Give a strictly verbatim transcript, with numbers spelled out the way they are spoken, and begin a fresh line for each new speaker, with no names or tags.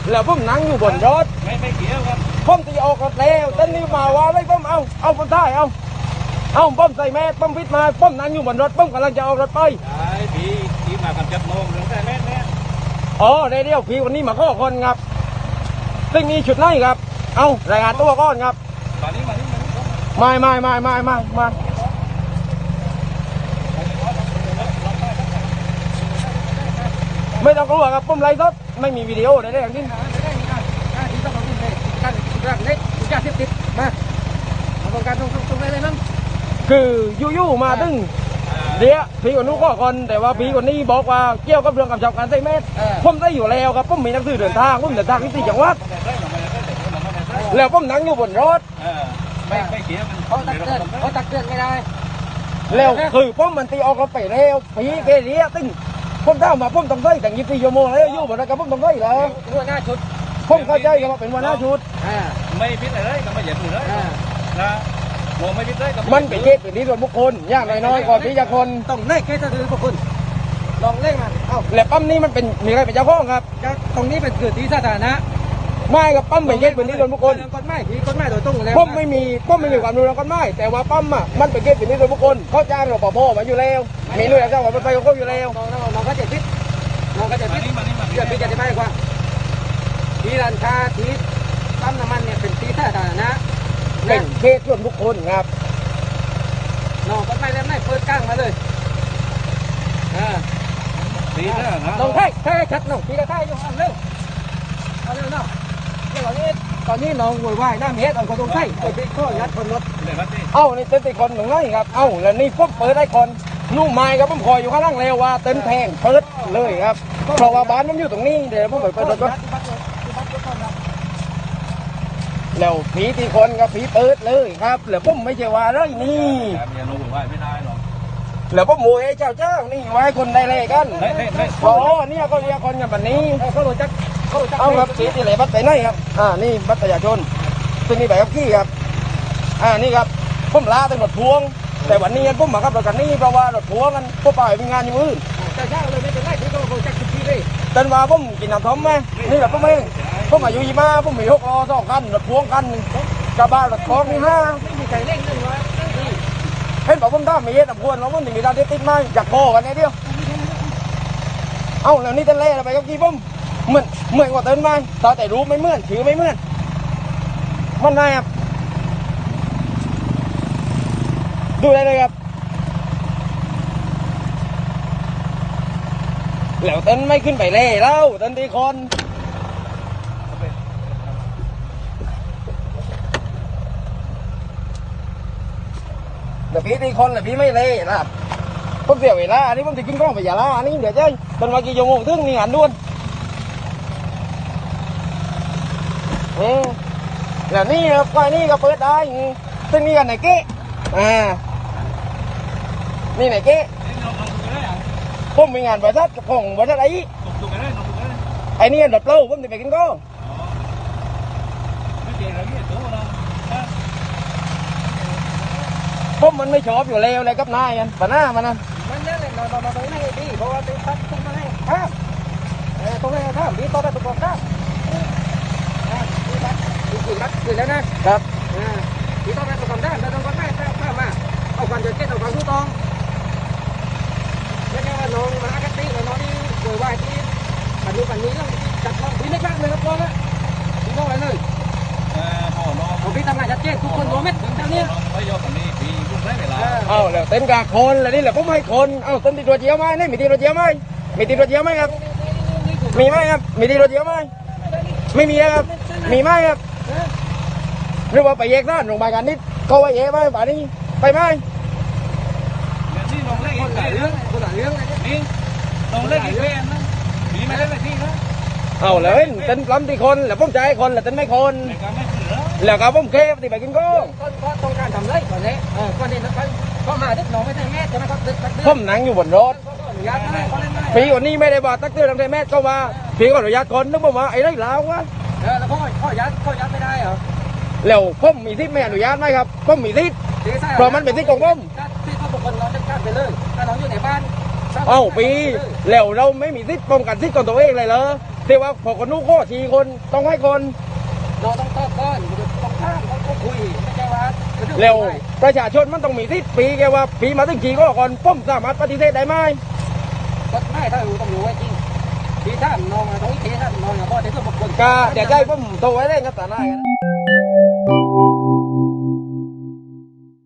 แล้วผมนั่งอยู่บนรถไม่ไม่เกี่ยวครับผมตีออกรถแล้วตอนนี้มาว่าไม่ผมเอาเอาผมถ่ายเอาเอาผมใส่แมสผมพิดมาผมนั่งอยู่บนรถผมกำลังจะออกรถไปใช่พี่พี่มากับจับโมงหรือใส่แมสแมสอ๋อได้เดียวพี่วันนี้มาข้อคนครับซึ่งมีชุดไหนครับเอารายงานตัวก่อนครับมานี่มานี่มาไม่ไม่ไม่ไม่ไม่ไม่ไม่ต้องกลัวครับผมไล่รถไม่มีวิดีโอได้ได้อย่างนี้ที่ต้องเอาที่ไหนการรักเล็กยาเสพติดมาเอาตรงการตรงตรงไหนเลยนั่นคือยู่ๆมาตึ้งเดี๋ยวพี่คนนู้นก็คนแต่ว่าพี่คนนี้บอกว่าเกี่ยวกับเรื่องกับชาวการใส่แมสผมได้อยู่แล้วครับผมมีหนังสือเดินทางผมเดินทางที่สี่จังหวัดแล้วผมนั่งอยู่บนรถไม่ไม่เกี่ยวเขาตักเตือนเขาตักเตือนไม่ได้แล้วคือผมมันตีออกรถไปแล้วพี่เกเรียตึ้งผมถามมาผมต้องได้แต่ยี่สิบสี่ชั่วโมงแล้วอยู่บนรถกับผมต้องได้แล้วหัวหน้าชุดผมเข้าใจว่าเป็นหัวหน้าชุดไม่พิษอะไรก็ไม่เหยียดเลยนะโมไม่พิษเลยมันเป็นเคสเป็นที่ส่วนบุคคลยากน้อยๆก่อนที่จะคนต้องเล่เคสส่วนบุคคลลองเล่มาเอ้าแล้วปั๊มนี้มันเป็นมีอะไรเป็นเจ้าของครับตรงนี้เป็นคือที่สาธารณะไม่กับปั๊มเป็นเคสเป็นที่ส่วนบุคคลกฎหมายที่กฎหมายโดยตรงแล้วผมไม่มีผมไม่มีความรู้เรื่องกฎหมายแต่ว่าปั๊มอ่ะมันเป็นเคสเป็นที่ส่วนบุคคลเขาจ้างรปภมาอยู่แล้วมีหน่วยงานเจ้าของรถไฟของเขาอยู่แล้วน้องก็จะพิษน้องก็จะพิษเรื่องพิษจะได้กว่าที่ร้านค้าที่ปั๊มน้ำมันเนี่ยเป็นที่สาธารณะเป็นเคสส่วนบุคคลครับน้องก็ไม่ได้ไม่เปิดกลางมาเลยอ่าดีนะน้องไทยไทยชัดน้องพี่ก็ไทยอยู่เร็วเอาเร็วน้องเดี๋ยวนี้ตอนนี้น้องวุ่นวายน้ำเฮ็ดเอาคนตรงไทยไปเป็นข้อยัดคนรถเอ้านี่เต้นตีคนหนึ่งเลยครับเอ้าแล้วนี่ปุ๊บเปิดได้คนนุ่มไม้ครับผมคอยอยู่ข้างล่างเร็วว่าเต้นแทงเปิดเลยครับเพราะว่าบ้านมันอยู่ตรงนี้เดี๋ยวผมไปเปิดรถก่อนแล้วผีตีคนกับผีเปิดเลยครับแล้วผมไม่ใช่ว่าเลยนี่แล้วผมโวยเจ้าเจ้านี่ไว้คนได้เลยกันอ๋อเนี่ยก็เรียกคนกันแบบนี้เขารู้จักเอาครับผีที่ไหนบัตรไปไหนครับอ่านี่บัตรประชาชนซึ่งนี่ใบขับขี่ครับอ่านี่ครับผมลาเป็นรถพวงแต่วันนี้ผมมาขับรถกันนี่เพราะว่ารถพวงกันผมไปมีงานอยู่อื่นเจ้าเจ้าเลยไม่เป็นไรที่เขาโคจักทุกทีเลยแต่ว่าผมกินน้ำท่อมไหมนี่แบบผมเองผมอายุยี่มาผมมีหกล้อสองคันรถพวงคันกระบะรถคล้องมีห้าไม่มีใครเล่นเลยว่าเห็นบอกผมได้ไม่เย็ดอ่ะพวนเราผมมีดาวติดไหมอยากโบกันไงเดียวเอ้าแล้วนี่เต้นเล่ไปกับกี่ผมเหมือนเหมือนกว่าเต้นไหมตอนแต่รู้ไม่เหมือนถือไม่เหมือนมันไงครับดูได้เลยครับแล้วเต้นไม่ขึ้นไปเล่แล้วเต้นตีคนแต่พี่ตีคนแต่พี่ไม่เล่นะผมเสียเวลาอันนี้ผมจะกินข้าวไปอย่าละอันนี้เดี๋ยวเจ้เป็นวันกี่ชั่วโมงถึงนี่หันด้วนเออแล้วนี่ครับไฟนี่ก็เปิดได้ซึ่งนี่กันไหนเก๊อ่านี่ไหนเก๊ผมมีงานบริษัทของบริษัทไอ้ไอ้นี่ดับเปล่าผมจะไปกินก็ผมมันไม่ชอบอยู่แล้วเลยกับนายกันปัญหามันนั่นมันเนี่ยเลยนอนนอนนอนไม่ดีเพราะว่าตีพัดต้องมาให้ข้ามเออต้องให้ข้ามดีต่อไปตุกข้ามอ่าดีพัดดีขึ้นพัดขึ้นแล้วนะครับอ่าดีต่อไปตุกข้ามได้แล้วต้องก็ได้ข้ามมาเอาความเดือดเจ็ดเอาความรู้ตองไม่ใช่ว่าน้องมาอาการตีกับน้องนี่ป่วยวายที่ปันนี้ปันนี้ต้องจับน้องพี่ไม่กล้าเลยครับน้องนะพี่ต้องอะไรเลยเออพ่อน้องพี่ทำงานชัดเจนทุกคนรู้ไหมถึงเท่านี้ไม่ยอมปันนี้พี่ยุ่งได้เวลาเอาแล้วเต้นกาคนแล้วนี่แหละผมให้คนเอาเต้นตีตัวเจียวไหมนี่มีตีตัวเจียวไหมมีตีตัวเจียวไหมครับมีไหมครับมีตีตัวเจียวไหมไม่มีครับมีไหมครับหรือว่าไปแยกด้านโรงพยาบาลกันนิดเขาไปแยกไหมป่านนี้ไปไหมนี่น้องเล่นคนหลายเรื่องคนหลายเรื่องนี่น้องเล่นกี่เพลงนะมีไม่เล่นอะไรที่นะเอาเลยเต้นล้ำตีคนแล้วผมใจคนแล้วเต้นไม่คนแล้วก็ผมเคฟตีไปกินก็ต้องการทำไรก่อนเลยก่อนนี้นะครับก็มาดึกน้องไม่ใช่แม่ใช่ไหมครับดึกผมนั่งอยู่บนรถพี่วันนี้ไม่ได้บอกตักเตือนทำไมแม่ก็ว่าพี่ก็อนุญาตคนนึกว่าไอ้ไรแล้ววะแล้วพ่อพ่อยัดพ่อยัดไม่ได้เหรอแล้วผมมีที่ไม่อนุญาตไหมครับผมมีที่เพราะมันเป็นที่ของผมที่เขาบอกคนน้องจะกล้าไปเลยถ้าน้องอยู่ในบ้านเอ้าปีแล้วเราไม่มีที่ป้องกันที่ของตัวเองเลยเหรอที่ว่าพอคนนู้นก็สี่คนต้องให้คน
เราต้องตอบก่อนต้องข้ามต้องคุยไม่ใช่ว่า
เร็วประชาชนมันต้องมีที่ปีแกว่าปีมาถึงขี่ก็ก่อนป้มสามารถปฏิเสธได้ไหม
กฎหมายถ้ารู้ต้องรู้ไว้จริงที่ท่านน้องตรงนี้ท่านน้องอย่าบอกแต่เพื่อนบุคคล
ก็เดี๋ยวใจป้มโทรไว้เล่นกับตาหน้ากัน